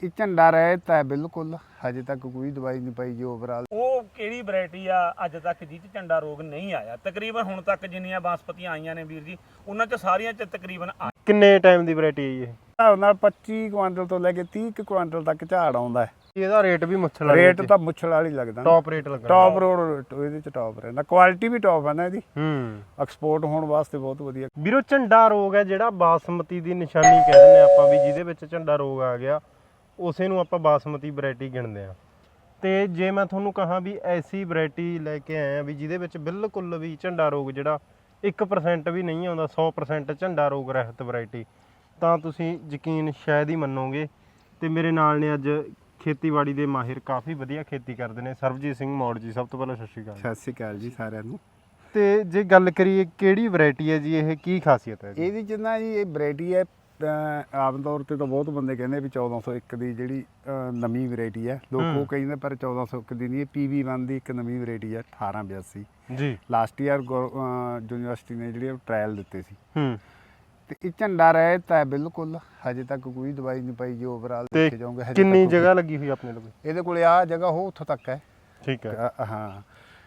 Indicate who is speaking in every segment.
Speaker 1: ਇਹ ਝੰਡਾ ਰਹਿਤ ਹੈ ਬਿਲਕੁਲ, ਹਜੇ ਤੱਕ ਕੋਈ ਦਵਾਈ ਨਹੀਂ ਪਾਈ ਜੀ ਓਵਰਆਲ।
Speaker 2: ਉਹ ਕਿਹੜੀ ਵੈਰਾਈਟੀ ਆ ਅੱਜ ਤੱਕ ਜਿਹ 'ਚ ਝੰਡਾ ਰੋਗ ਨਹੀਂ ਆਇਆ? ਤਕਰੀਬਨ ਹੁਣ ਤੱਕ ਜਿੰਨੀਆਂ ਬਾਸਪਤੀਆਂ ਆਈਆਂ ਨੇ ਵੀਰ ਜੀ, ਉਹਨਾਂ 'ਚ ਸਾਰੀਆਂ 'ਚ ਤਕਰੀਬਨ
Speaker 3: ਕਿੰਨੇ ਟਾਈਮ ਦੀ ਵੈਰਾਈਟੀ ਹੈ ਜੀ ਇਹ?
Speaker 1: ਹਿਸਾਬ ਨਾਲ 25 ਕੁਆਂਟਲ ਤੋਂ ਲੈ ਕੇ 30 ਕੁਆਂਟਲ ਤੱਕ ਝਾੜ ਆਉਂਦਾ ਹੈ।
Speaker 3: ਇਹਦਾ ਰੇਟ ਵੀ ਮੁੱਛਲ ਵਾਲੀ
Speaker 1: ਰੇਟ ਤਾਂ ਮੁੱਛਲ ਵਾਲੀ ਲੱਗਦਾ,
Speaker 3: ਟੌਪ ਰੇਟ ਲੱਗਦਾ,
Speaker 1: ਟੌਪ ਰੋਡ ਇਹਦੇ ਚ ਟੌਪ ਰਹਿੰਦਾ, ਕੁਆਲਿਟੀ ਵੀ ਟੌਪ ਹੈ ਨਾ ਇਹਦੀ, ਐਕਸਪੋਰਟ ਹੋਣ ਵਾਸਤੇ ਬਹੁਤ ਵਧੀਆ।
Speaker 3: ਵੀਰੋ ਝੰਡਾ ਰੋਗ ਹੈ ਜਿਹੜਾ ਬਾਸਮਤੀ ਦੀ ਨਿਸ਼ਾਨੀ ਕਹਿ ਦਿੰਦੇ ਆਪਾਂ ਵੀ, ਜਿਹਦੇ ਵਿੱਚ ਝੰਡਾ ਰੋਗ ਆ ਗਿਆ ਉਸੇ ਨੂੰ ਆਪਾਂ ਬਾਸਮਤੀ ਵੈਰਾਈਟੀ ਗਿਣਦੇ ਆ। ਤੇ ਜੇ ਮੈਂ ਤੁਹਾਨੂੰ ਕਹਾਂ ਵੀ ਐਸੀ ਵੈਰਾਈਟੀ ਲੈ ਕੇ ਆਏ ਆ ਵੀ ਜਿਹਦੇ ਵਿੱਚ ਬਿਲਕੁਲ ਵੀ ਝੰਡਾ ਰੋਗ ਜਿਹੜਾ 1% ਵੀ ਨਹੀਂ ਆਉਂਦਾ, 100% ਝੰਡਾ ਰੋਗ ਰਹਿਤ ਵੈਰਾਈਟੀ, ਤਾਂ ਤੁਸੀਂ ਯਕੀਨ ਸ਼ਾਇਦ ਹੀ ਮੰਨੋਗੇ। ਤੇ ਮੇਰੇ ਨਾਲ ਨੇ ਅੱਜ ਖੇਤੀਬਾੜੀ ਦੇ ਮਾਹਿਰ, ਕਾਫੀ ਵਧੀਆ ਖੇਤੀ ਕਰਦੇ ਨੇ, ਸਰਬਜੀਤ ਸਿੰਘ ਮੌੜ ਜੀ। ਸਭ ਤੋਂ ਪਹਿਲਾਂ ਸਤਿ ਸ਼੍ਰੀ ਅਕਾਲ।
Speaker 1: ਸਤਿ ਸ਼੍ਰੀ ਅਕਾਲ ਜੀ ਸਾਰਿਆਂ ਨੂੰ।
Speaker 3: ਤੇ ਜੇ ਗੱਲ ਕਰੀਏ ਕਿਹੜੀ ਵੈਰਾਈਟੀ ਹੈ ਜੀ ਇਹ, ਕੀ ਖਾਸੀਅਤ ਹੈ?
Speaker 1: ਇਹਦੀ ਜਿੰਨਾ ਜੀ ਇਹ ਵੈਰਾਈਟੀ ਹੈ, ਆਮ ਤੌਰ ਤੇ ਤਾਂ ਬਹੁਤ ਬੰਦੇ ਕਹਿੰਦੇ ਵੀ 1401 ਦੀ ਜਿਹੜੀ ਨਵੀਂ ਵੈਰਾਈਟੀ ਹੈ, ਲੋਕ ਉਹ ਕਹਿੰਦੇ, ਪਰ 1401 ਦੀ ਨਹੀਂ, PV1 ਦੀ ਇੱਕ ਨਵੀਂ ਵੈਰਾਈਟੀ ਹੈ 1882
Speaker 3: ਜੀ।
Speaker 1: ਲਾਸਟ ਈਅਰ ਯੂਨੀਵਰਸਿਟੀ ਨੇ ਜਿਹੜੇ ਟ੍ਰਾਇਲ ਦਿੱਤੇ ਸੀ। ਤੇ ਇਹ ਝੰਡਾ ਰਹਿਤ ਹੈ ਬਿਲਕੁਲ, ਹਜੇ ਤੱਕ ਕੋਈ ਦਵਾਈ ਨਹੀਂ ਪਾਈ ਜੀ ਓਵਰਆਲ ਦੇਖੇ ਜਾਓਗੇ।
Speaker 3: ਕਿੰਨੀ ਜਗ੍ਹਾ ਲੱਗੀ ਹੋਈ ਆਪਣੇ ਕੋਲ?
Speaker 1: ਇਹਦੇ ਕੋਲੇ ਆ ਜਗ੍ਹਾ ਉਹ ਉੱਥੋਂ ਤੱਕ ਹੈ।
Speaker 3: ਠੀਕ ਹੈ।
Speaker 1: ਹਾਂ,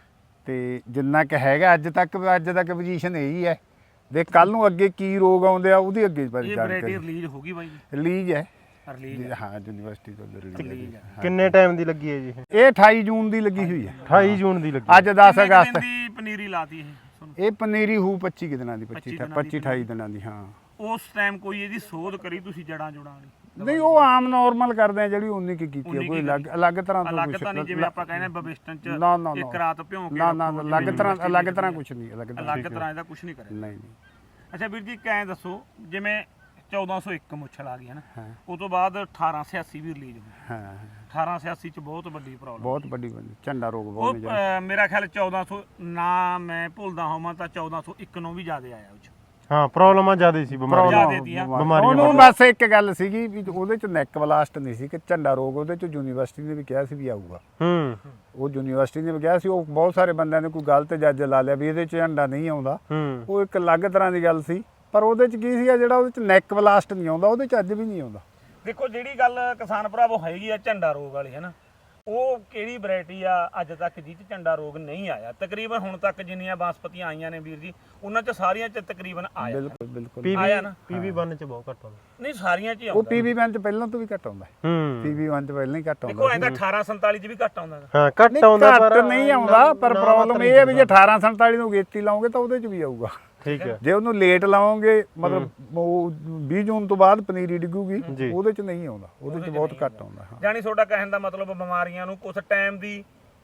Speaker 1: ਤੇ ਜਿੰਨਾ ਕਿ ਹੈਗਾ ਅੱਜ ਤੱਕ ਪੋਜੀਸ਼ਨ ਇਹੀ ਹੈ। ਦੇਖ ਕੱਲ ਨੂੰ ਅੱਗੇ ਕੀ ਰੋਗ ਆਉਂਦੇ ਆ ਉਹਦੀ ਅੱਗੇ ਬਾਰੇ
Speaker 2: ਜਾਣਕਾਰੀ। ਰਿਲੀਜ਼ ਹੋ ਗਈ ਬਾਈ ਜੀ?
Speaker 1: ਰਿਲੀਜ਼ ਹੈ,
Speaker 2: ਰਿਲੀਜ਼
Speaker 1: ਹਾਂ, ਯੂਨੀਵਰਸਿਟੀ ਤੋਂ ਰਿਲੀਜ਼ ਹੈ।
Speaker 3: ਕਿੰਨੇ ਟਾਈਮ ਦੀ ਲੱਗੀ ਹੈ ਜੀ
Speaker 1: ਇਹ 28 ਜੂਨ ਦੀ ਲੱਗੀ ਹੋਈ ਹੈ।
Speaker 3: 28 ਜੂਨ ਦੀ ਲੱਗੀ।
Speaker 1: ਅੱਜ 10 ਅਗਸਤ
Speaker 2: ਦੀ ਪਨੀਰੀ ਲਾਤੀ
Speaker 1: ਇਹ ਪਨੀਰੀ ਹੂ 25 ਦਿਨਾਂ ਦੀ, 25-28 ਦਿਨਾਂ ਦੀ। ਹਾਂ,
Speaker 2: ਉਸ ਟਾਈਮ ਕੋਈ ਇਹਦੀ ਸੋਧ ਕਰੀ ਤੁਸੀਂ ਜੜਾਂ ਜੁੜਾਂ ਵਾਲੀ?
Speaker 1: ਨਹੀਂ, ਉਹ ਆਮ ਨਾਰਮਲ ਕਰਦੇ ਆ ਜਿਹੜੀ ਉਨੀ ਕੀ ਕੀਤੀ ਹੈ, ਕੋਈ ਅਲੱਗ ਤਰ੍ਹਾਂ ਤੋਂ
Speaker 2: ਅਲੱਗ
Speaker 1: ਕੁਝ
Speaker 2: ਤਾਂ ਨਹੀਂ, ਜਿਵੇਂ ਆਪਾਂ ਕਹਿੰਦੇ ਬਵਿਸ਼ਟਨ ਚ
Speaker 1: ਨਾ
Speaker 2: ਇੱਕ ਰਾਤ ਭਿਉਂ ਕੇ
Speaker 1: ਨਾ ਅਲੱਗ ਤਰ੍ਹਾਂ ਕੁਝ ਨਹੀਂ,
Speaker 2: ਅਲੱਗ ਤਰ੍ਹਾਂ ਇਹਦਾ ਕੁਝ ਨਹੀਂ ਕਰਿਆ।
Speaker 1: ਨਹੀਂ।
Speaker 2: ਅੱਛਾ ਵੀਰ ਜੀ, ਕਹਿ ਦੱਸੋ, ਜਿਵੇਂ 1401 ਮੁੱਛਲ ਆ ਗਈ ਹੈ ਨਾ, ਉਸ ਤੋਂ ਬਾਅਦ 1886 ਵੀ ਰਿਲੀਜ਼ ਹੋਈ।
Speaker 1: ਹਾਂ,
Speaker 2: 1886 ਚ ਬਹੁਤ ਵੱਡੀ ਪ੍ਰੋਬਲਮ,
Speaker 1: ਬਹੁਤ ਵੱਡੀ ਝੰਡਾ ਰੋਗ ਬਹੁਤ
Speaker 2: ਉਹ ਮੇਰਾ ਖਿਆਲ 1400 ਨਾ ਮੈਂ ਭੁੱਲਦਾ ਹੋਵਾਂ ਤਾਂ 1401 ਨੂੰ ਵੀ ਜ਼ਿਆਦਾ ਆਇਆ ਉਹ ਚ।
Speaker 3: ਹਾਂ, ਪ੍ਰੋਬਲਮਾਂ ਜ਼ਿਆਦਾ ਸੀ, ਬਿਮਾਰੀਆਂ।
Speaker 1: ਉਹਨੂੰ ਬਸ ਇੱਕ ਗੱਲ ਸੀਗੀ ਵੀ ਉਹਦੇ ਚ ਨੈਕ ਬਲਾਸਟ ਨਹੀਂ ਸੀ ਕਿ ਝੰਡਾ ਰੋਗ, ਉਹਦੇ ਚ ਯੂਨੀਵਰਸਿਟੀ ਨੇ ਵੀ ਕਿਹਾ ਸੀ ਵੀ ਆਊਗਾ। ਉਹ ਯੂਨੀਵਰਸਿਟੀ ਨੇ ਵੀ ਕਿਹਾ ਸੀ, ਉਹ ਬਹੁਤ ਸਾਰੇ ਬੰਦਿਆਂ ਨੇ ਕੋਈ ਗਲਤ ਜੱਜ ਲਾ ਲਿਆ ਵੀ ਇਹਦੇ ਚ ਝੰਡਾ ਨਹੀਂ ਆਉਂਦਾ। ਉਹ ਇੱਕ ਅਲੱਗ ਤਰ੍ਹਾਂ ਦੀ ਗੱਲ ਸੀ, ਪਰ ਉਹਦੇ ਚ ਕੀ ਸੀਗਾ, ਜਿਹੜਾ ਉਹਦੇ ਚ ਨੈਕ ਬਲਾਸਟ ਨਹੀਂ ਆਉਂਦਾ, ਉਹਦੇ ਚ ਅੱਜ ਵੀ ਨਹੀਂ ਆਉਂਦਾ।
Speaker 2: ਦੇਖੋ, ਜਿਹੜੀ ਗੱਲ ਕਿਸਾਨ ਭਰਾਵੋ ਹੈਗੀ ਆ ਝੰਡਾ ਰੋਗ ਵਾਲੀ, ਹੈ ਨਾ, ਉਹ ਕਿਹੜੀ ਵੈਰਾਈਟੀ ਆ ਅੱਜ ਤੱਕ ਜਿਹ 'ਚ ਝੰਡਾ ਰੋਗ ਨਹੀਂ ਆਇਆ? ਤਕਰੀਬਨ ਹੁਣ ਤੱਕ ਜਿੰਨੀਆਂ ਬਾਸਪਤੀਆਂ ਆਈਆਂ ਨੇ ਵੀਰ ਜੀ, ਉਹਨਾਂ 'ਚ ਸਾਰੀਆਂ 'ਚ ਤਕਰੀਬਨ ਆਇਆ।
Speaker 1: ਬਿਲਕੁਲ
Speaker 2: ਆਇਆ ਨਾ।
Speaker 3: PV1 ਚ ਬਹੁਤ ਘੱਟ ਆਉਂਦਾ।
Speaker 2: ਨਹੀਂ, ਸਾਰੀਆਂ 'ਚ ਹੀ
Speaker 1: ਉਹ
Speaker 2: ਆਉਂਦਾ।
Speaker 1: PV1 ਚ ਪਹਿਲਾਂ ਤੋਂ ਵੀ ਘੱਟ ਆਉਂਦਾ। PV1 ਚ ਪਹਿਲਾਂ ਹੀ ਘੱਟ ਆਉਂਦਾ।
Speaker 2: ਦੇਖੋ, ਐਂਦਾ 1847 ਚ ਵੀ ਘੱਟ ਆਉਂਦਾ।
Speaker 3: ਹਾਂ, ਘੱਟ ਆਉਂਦਾ,
Speaker 1: ਪਰ ਨਹੀਂ ਆਉਂਦਾ। ਪਰ ਪ੍ਰੋਬਲਮ ਇਹ ਹੈ ਵੀ ਜੇ 1847 ਨੂੰ ਗੇਤੀ ਲਾਓਗੇ ਤਾਂ ਉਹਦੇ ਚ ਵੀ ਆਊਗਾ।
Speaker 3: ਠੀਕ ਹੈ।
Speaker 1: ਜੇ ਉਹਨੂੰ ਲੇਟ ਲਾਓਗੇ, ਮਤਲਬ ਉਹ 20 ਜੂਨ ਤੋਂ ਬਾਅਦ ਪਨੀਰੀ ਡਿੱਗੂਗੀ, ਉਹਦੇ ਚ ਨਹੀਂ ਆਉਂਦਾ, ਉਹਦੇ ਚ ਬਹੁਤ ਘੱਟ ਆਉਂਦਾ।
Speaker 2: ਜਾਨੀ ਤੁਹਾਡਾ ਕਹਿਣ ਦਾ ਮਤਲਬ ਬਿਮਾਰੀਆਂ ਨੂੰ ਕੁਝ ਟਾਈਮ ਦੀ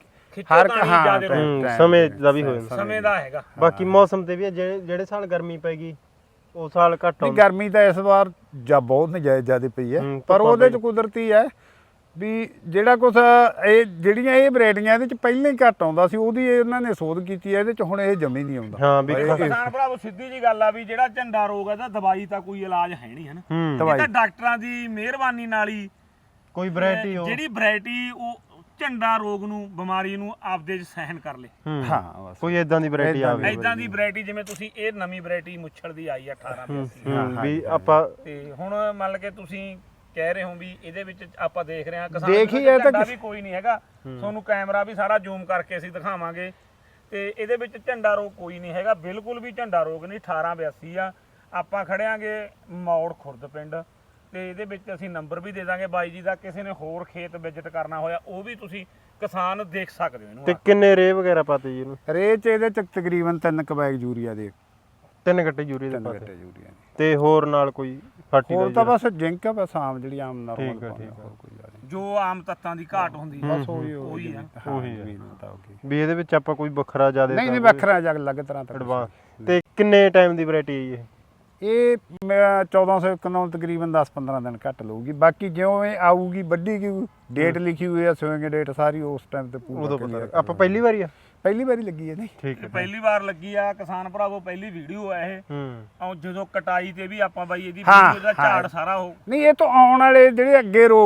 Speaker 3: ਸਮੇਂ ਦਾ ਵੀ ਹੋ ਜਾਂਦਾ,
Speaker 2: ਸਮੇਂ ਦਾ ਹੈਗਾ।
Speaker 3: ਬਾਕੀ ਮੌਸਮ ਤੇ ਵੀ ਹੈ, ਜਿਹੜੇ ਸਾਲ ਗਰਮੀ ਪੈਗੀ ਉਹ ਸਾਲ ਘੱਟ ਆਉਂਦੀ।
Speaker 1: ਗਰਮੀ ਤਾਂ ਇਸ ਵਾਰ ਜਾਂ ਬਹੁਤ ਨਜਾਇਜ਼ ਜ਼ਿਆਦਾ ਪਈ ਹੈ, ਪਰ ਉਹਦੇ ਚ ਕੁਦਰਤੀ ਹੈ ਵੀ ਜਿਹੜਾ ਕੁਛ ਇਹ ਜਿਹੜੀਆਂ ਇਹ ਵੈਰਾਈਟੀਆਂ ਇਹਦੇ ਚ ਪਹਿਲਾਂ ਹੀ ਘੱਟ ਆਉਂਦਾ ਸੀ, ਉਹਦੀ ਇਹਨਾਂ ਨੇ ਸੋਧ ਕੀਤੀ ਹੈ, ਇਹਦੇ ਚ ਹੁਣ ਇਹ ਜਮੀ ਨਹੀਂ ਆਉਂਦਾ।
Speaker 3: ਹਾਂ, ਵੀ
Speaker 2: ਕਿਸਾਨ ਭਰਾਵੋ ਸਿੱਧੀ ਜੀ ਗੱਲ ਆ ਵੀ ਜਿਹੜਾ ਝੰਡਾ ਰੋਗ ਹੈ ਤਾਂ ਦਵਾਈ ਤਾਂ ਕੋਈ ਇਲਾਜ ਹੈ ਨਹੀਂ, ਹੈ ਨਾ। ਇਹ ਤਾਂ ਡਾਕਟਰਾਂ ਦੀ ਮਿਹਰਬਾਨੀ ਨਾਲ ਹੀ
Speaker 3: ਕੋਈ ਵੈਰਾਈਟੀ
Speaker 2: ਜਿਹੜੀ ਵੈਰਾਈਟੀ ਉਹ ਝੰਡਾ ਰੋਗ ਨੂੰ, ਬਿਮਾਰੀ ਨੂੰ ਆਪਦੇ ਚ ਸਹਿਨ ਕਰ ਲੇ।
Speaker 1: ਹਾਂ,
Speaker 3: ਕੋਈ ਇਦਾਂ ਦੀ ਵੈਰਾਈਟੀ ਆਵੇ,
Speaker 2: ਇਦਾਂ ਦੀ ਵੈਰਾਈਟੀ ਜਿਵੇਂ ਤੁਸੀਂ ਇਹ ਨਵੀਂ ਵੈਰਾਈਟੀ ਮੁੱਛਲ ਦੀ ਆਈ ਆ 1882
Speaker 3: ਵੀ ਆਪਾਂ।
Speaker 2: ਤੇ ਹੁਣ ਮੰਨ ਕੇ ਤੁਸੀਂ ਕਹਿ ਰਹੇ ਹੋ ਵੀ ਇਹਦੇ ਵਿੱਚ ਆਪਾਂ ਦੇਖ ਰਹੇ ਹਾਂ
Speaker 1: ਕਿਸਾਨ
Speaker 2: ਵੀ ਕੋਈ ਨਹੀਂ ਹੈਗਾ, ਤੁਹਾਨੂੰ ਕੈਮਰਾ ਵੀ ਸਾਰਾ ਜ਼ੂਮ ਕਰਕੇ ਅਸੀਂ ਦਿਖਾਵਾਂਗੇ। ਤੇ ਇਹਦੇ ਵਿੱਚ ਝੰਡਾ ਰੋਗ ਕੋਈ ਨਹੀਂ ਹੈਗਾ, ਬਿਲਕੁਲ ਵੀ ਝੰਡਾ ਰੋਗ ਨਹੀਂ। 1882 ਆ। ਆਪਾਂ ਖੜਿਆਂਗੇ ਮੌੜ ਖੁਰਦ ਪਿੰਡ, ਤੇ ਇਹਦੇ ਵਿੱਚ ਅਸੀਂ ਨੰਬਰ ਵੀ ਦੇ ਦਾਂਗੇ ਬਾਈ ਜੀ ਦਾ, ਕਿਸੇ ਨੇ ਹੋਰ ਖੇਤ ਵਿਜ਼ਿਟ ਕਰਨਾ ਹੋਇਆ ਉਹ ਵੀ ਤੁਸੀਂ ਕਿਸਾਨ ਦੇਖ ਸਕਦੇ ਹੋ ਇਹਨੂੰ।
Speaker 3: ਤੇ ਕਿੰਨੇ ਰੇ ਵਗੈਰਾ ਪਾਤੇ ਜੀ ਇਹਨੂੰ?
Speaker 1: ਰੇ ਚ ਇਹਦੇ ਚ ਤਕਰੀਬਨ 3 ਬੈਗ ਯੂਰੀਆ ਦੇ,
Speaker 3: 3 ਗੱਟੇ ਯੂਰੀਆ ਦੇ ਪਾਤੇ।
Speaker 1: ਯੂਰੀਆ ਦੇ
Speaker 3: ਤੇ ਹੋਰ ਨਾਲ ਕੋਈ
Speaker 1: ਹੋਰ ਤਾਂ ਬਸ ਜਿੰਕ ਆ, ਬਸ ਆਮ ਜਿਹੜੀ ਆਮ ਨਾਰਮਲ ਪਾਉਂਦੇ ਆ, ਹੋਰ ਕੋਈ ਗੱਲ ਨਹੀਂ।
Speaker 2: ਜੋ ਆਮ ਤੱਤਾਂ ਦੀ ਘਾਟ ਹੁੰਦੀ ਹੈ
Speaker 1: ਬਸ ਉਹੀ
Speaker 2: ਆ।
Speaker 3: ਵੀ ਇਹਦੇ ਵਿੱਚ ਆਪਾਂ ਕੋਈ ਵੱਖਰਾ ਜ਼ਿਆਦਾ
Speaker 1: ਨਹੀਂ ਵੱਖਰਾ ਜਾਂ ਅਲੱਗ ਤਰ੍ਹਾਂ ਦਾ
Speaker 3: ਐਡਵਾਂਸ। ਤੇ ਕਿੰਨੇ ਟਾਈਮ ਦੀ ਵੈਰਾਈਟੀ ਹੈ ਜੀ
Speaker 1: ਇਹ? 1401 ਨੂੰ ਤਕਰੀਬਨ 10-15 ਦਿਨ ਘੱਟ ਲਊਗੀ, ਬਾਕੀ ਜਿਉਂ ਇਹ ਆਊਗੀ ਵੱਡੀ ਕੀ ਡੇਟ ਲਿਖੀ ਹੋਈ ਆ, ਸੋਇੰਗ ਡੇਟ ਸਾਰੀ ਉਸ ਟਾਈਮ ਤੇ ਪੂਰਾ।
Speaker 3: ਆਪਾਂ ਪਹਿਲੀ ਵਾਰੀ
Speaker 1: ਲੱਗੀ ਹੈ। ਨਹੀਂ,
Speaker 3: ਠੀਕ ਹੈ,
Speaker 2: ਪਹਿਲੀ ਵਾਰ ਲੱਗੀ ਆ ਕਿਸਾਨ ਭਰਾਵੋ, ਪਹਿਲੀ ਵੀਡੀਓ ਆ ਇਹ। ਜਦੋਂ ਕਟਾਈ ਤੇ ਵੀ ਆਪਾਂ ਬਾਈ ਇਹਦੀ
Speaker 1: ਵੀਡੀਓ
Speaker 2: ਦਾ ਝਾੜ ਸਾਰਾ ਉਹ
Speaker 1: ਨਹੀਂ, ਇਹ ਤੋਂ ਆਉਣ ਵਾਲੇ ਜਿਹੜੇ ਅੱਗੇ ਰੋਗ ਹੈ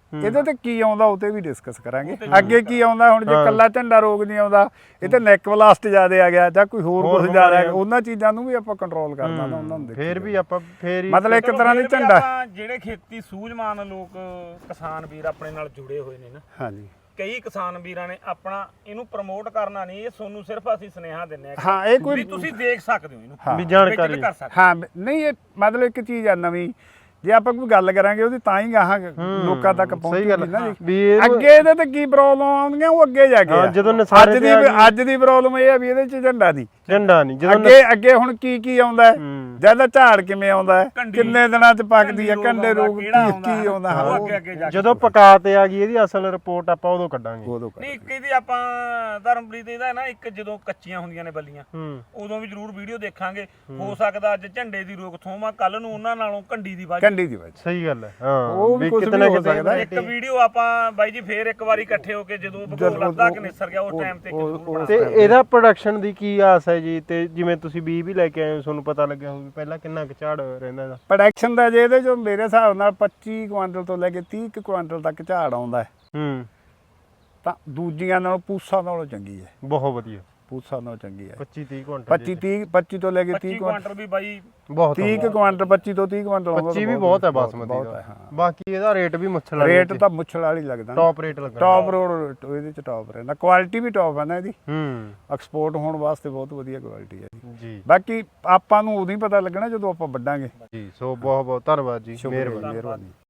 Speaker 1: ਇਹਦੇ ਤੇ ਕੀ ਆਉਂਦਾ ਉਹ ਤੇ ਵੀ ਡਿਸਕਸ ਕਰਾਂਗੇ। ਅੱਗੇ ਕੀ ਆਉਂਦਾ ਹੁਣ, ਜੇ ਕੱਲਾ ਝੰਡਾ ਰੋਗ ਨਹੀਂ ਆਉਂਦਾ, ਇਹ ਤੇ ਨੈਕ ਬਲਾਸਟ ਜ਼ਿਆਦਾ ਆ ਗਿਆ ਜਾਂ ਕੋਈ ਹੋਰ ਕੁਝ ਜ਼ਿਆਦਾ ਆ ਗਿਆ, ਉਹਨਾਂ ਚੀਜ਼ਾਂ ਨੂੰ ਵੀ ਆਪਾਂ ਕੰਟਰੋਲ ਕਰਨਾ ਨਾ, ਉਹਨਾਂ ਨੂੰ ਦੇਖੀਏ।
Speaker 3: ਫੇਰ ਵੀ ਆਪਾਂ ਫੇਰ ਹੀ
Speaker 1: ਮਤਲਬ ਇੱਕ ਤਰ੍ਹਾਂ ਦੀ
Speaker 2: ਫਿਰ ਵੀ
Speaker 1: ਝੰਡਾ।
Speaker 2: ਆਪਾਂ ਜਿਹੜੇ ਖੇਤੀ ਸੂਝਵਾਨ ਲੋਕ ਕਿਸਾਨ ਵੀਰ ਆਪਣੇ ਨਾਲ ਜੁੜੇ ਹੋਏ ਨੇ ਨਾ,
Speaker 1: ਹਾਂਜੀ
Speaker 2: ਕਈ ਕਿਸਾਨ ਵੀਰਾਂ ਨੇ ਆਪਣਾ ਇਹਨੂੰ ਪ੍ਰਮੋਟ ਕਰਨਾ ਨਹੀਂ, ਇਹ ਤੁਹਾਨੂੰ ਸਿਰਫ ਅਸੀਂ ਸੁਨੇਹਾ ਦਿੰਨੇ ਆ
Speaker 1: ਹਾਂ, ਇਹ
Speaker 2: ਵੀ
Speaker 1: ਕੋਈ
Speaker 2: ਤੁਸੀਂ ਦੇਖ ਸਕਦੇ ਹੋ ਇਹਨੂੰ,
Speaker 3: ਵੀ ਜਾਣਕਾਰੀ
Speaker 2: ਵਿਜ਼ਿਟ ਕਰ ਸਕਦੇ
Speaker 1: ਹਾਂ ਨਹੀਂ, ਇਹ ਮਤਲਬ ਇੱਕ ਚੀਜ਼ ਆ ਨਵੀਂ, ਜੇ ਆਪਾਂ ਕੋਈ ਗੱਲ ਕਰਾਂਗੇ ਉਹਦੀ ਤਾਂ ਹੀ ਗਾਹਾਂ ਲੋਕਾਂ ਤੱਕ ਪਹੁੰਚੂਗੀ ਨਾ ਜੀ।
Speaker 3: ਵੀ ਇਹ
Speaker 1: ਅੱਗੇ ਇਹਦੇ ਤੇ ਕੀ ਪ੍ਰੋਬਲਮ ਆਉਂਦੀਆਂ ਉਹ ਅੱਗੇ ਜਾ ਕੇ
Speaker 3: ਹਾਂ,
Speaker 1: ਆ।
Speaker 3: ਜਦੋਂ ਨਸਾਰੇ
Speaker 1: ਅੱਜ ਦੀ ਅੱਜ ਦੀ ਪ੍ਰੋਬਲਮ ਇਹ ਆ ਵੀ ਇਹਦੇ ਚ ਝੰਡਾ ਨਹੀਂ,
Speaker 3: ਝੰਡਾ ਨਹੀਂ, ਜਦੋਂ
Speaker 1: ਅੱਗੇ ਹੁਣ ਕੀ ਆਉਂਦਾ ਹੈ, ਜਿਆਦਾ ਝਾੜ ਕਿਵੇਂ ਆਉਂਦਾ ਹੈ, ਕਿੰਨੇ ਦਿਨਾਂ ਚ ਪੱਕਦੀ ਹੈ, ਕੰਡੇ ਰੋਗ ਕੀ ਆਉਂਦਾ,
Speaker 2: ਉਹ ਅੱਗੇ ਅੱਗੇ ਜਾ ਕੇ
Speaker 3: ਜਦੋਂ ਪਕਾ ਤੇ ਆ ਗਈ ਇਹਦੀ ਅਸਲ ਰਿਪੋਰਟ ਆਪਾਂ ਉਦੋਂ ਕੱਢਾਂਗੇ।
Speaker 1: ਉਦੋਂ
Speaker 2: ਨਹੀਂ, ਇੱਕ ਇਹਦੀ ਆਪਾਂ ਧਰਮਪ੍ਰੀਤ ਇਹਦਾ ਨਾ, ਇੱਕ ਜਦੋਂ ਕੱਚੀਆਂ ਹੁੰਦੀਆਂ ਨੇ ਬੱਲੀਆਂ ਉਦੋਂ ਵੀ ਜ਼ਰੂਰ ਵੀਡੀਓ ਦੇਖਾਂਗੇ। ਹੋ ਸਕਦਾ ਅੱਜ ਝੰਡੇ ਦੀ ਰੋਕਥਾਮ ਆ, ਕੱਲ ਨੂੰ ਉਹਨਾਂ ਨਾਲੋਂ ਕੰਡੀ ਦੀ ਵਾਜ।
Speaker 1: ਕੰਡੀ ਦੀ ਵਜ੍ਹਾ
Speaker 3: ਸਹੀ ਗੱਲ ਹੈ, ਹਾਂ
Speaker 1: ਉਹ ਵੀ ਕੁਛ
Speaker 3: ਕਿਤੇ
Speaker 1: ਵੀ
Speaker 3: ਨਾ
Speaker 1: ਹੋ
Speaker 3: ਕਿਤੇ
Speaker 1: ਸਕਦਾ।
Speaker 2: ਇੱਕ ਵੀਡੀਓ ਆਪਾਂ ਬਾਈ ਜੀ ਫੇਰ ਇੱਕ ਵਾਰੀ ਇਕੱਠੇ ਹੋ ਕੇ ਜਦੋਂ ਭਗੋਲ ਲੱਦਾ ਕਿ ਨਿਸਰ ਗਿਆ ਉਸ ਟਾਈਮ ਤੇ
Speaker 3: ਤੇ ਇਹਦਾ ਪ੍ਰੋਡਕਸ਼ਨ ਦੀ ਕੀ ਆਸ ਹੈ ਜੀ? ਤੇ ਜਿਵੇਂ ਤੁਸੀਂ ਬੀਜ ਵੀ ਲੈ ਕੇ ਆਏ ਹੋ, ਤੁਹਾਨੂੰ ਪਤਾ ਲੱਗਿਆ ਹੋਊ ਵੀ ਪਹਿਲਾਂ ਕਿੰਨਾ ਕੁ ਝਾੜ ਰਹਿੰਦਾ ਇਹਦਾ?
Speaker 1: ਪ੍ਰੋਡਕਸ਼ਨ ਦਾ ਜੇ ਇਹਦੇ ਚੋਂ ਮੇਰੇ ਹਿਸਾਬ ਨਾਲ 25 ਕੁਆਂਟਲ ਤੋਂ ਲੈ ਕੇ 30 ਕੁਆਂਟਲ ਤੱਕ ਝਾੜ ਆਉਂਦਾ ਹੈ, ਤਾਂ ਦੂਜੀਆਂ ਨਾਲੋਂ ਪੂਸਾ ਨਾਲੋਂ ਚੰਗੀ ਹੈ,
Speaker 3: ਬਹੁਤ ਵਧੀਆ,
Speaker 1: ਪੂਸਾ ਨਾਲੋਂ ਚੰਗੀ ਹੈ।
Speaker 3: 25-30 ਕੁਆਂਟਲ
Speaker 1: 25 ਤੋਂ ਲੈ ਕੇ 30
Speaker 2: ਕੁਆਂਟਲ ਵੀ ਬਾਈ
Speaker 3: ਬਹੁਤ
Speaker 1: 30 ਕੁਆਂਟਲ 25 ਤੋਂ 30 ਕੁਆਂਟਲ ਆਉਂਦਾ
Speaker 3: 25 ਵੀ ਬਹੁਤ ਹੈ ਬਾਸਮਤੀ ਦਾ। ਬਾਕੀ ਇਹਦਾ ਰੇਟ ਵੀ ਮੁੱਛਲ
Speaker 1: ਰੇਟ ਤਾਂ ਮੁੱਛਲ ਵਾਲੀ ਲੱਗਦਾ,
Speaker 3: ਟੌਪ ਰੇਟ ਲੱਗਦਾ,
Speaker 1: ਟੌਪ ਰੋਡ ਇਹਦੇ ਚ ਟੌਪ ਰਹਿੰਦਾ, ਕੁਆਲਿਟੀ ਵੀ ਟੌਪ ਹੈ ਨਾ ਇਹਦੀ, ਐਕਸਪੋਰਟ ਹੋਣ ਵਾਸਤੇ ਬਹੁਤ ਵਧੀਆ ਕੁਆਲਿਟੀ ਹੈ
Speaker 3: ਜੀ।
Speaker 1: ਬਾਕੀ ਆਪਾਂ ਨੂੰ ਉਦੋਂ ਹੀ ਪਤਾ ਲੱਗਣਾ ਜਦੋਂ ਆਪਾਂ ਵੱਢਾਂਗੇ
Speaker 3: ਜੀ, ਸੋ ਬਹੁਤ ਬਹੁਤ ਧੰਨਵਾਦ ਜੀ,
Speaker 1: ਸ਼ੁਕਰੀਆ,
Speaker 3: ਮਿਹਰਬਾਨੀ।
Speaker 1: ਮਿਹਰਬਾਨੀ।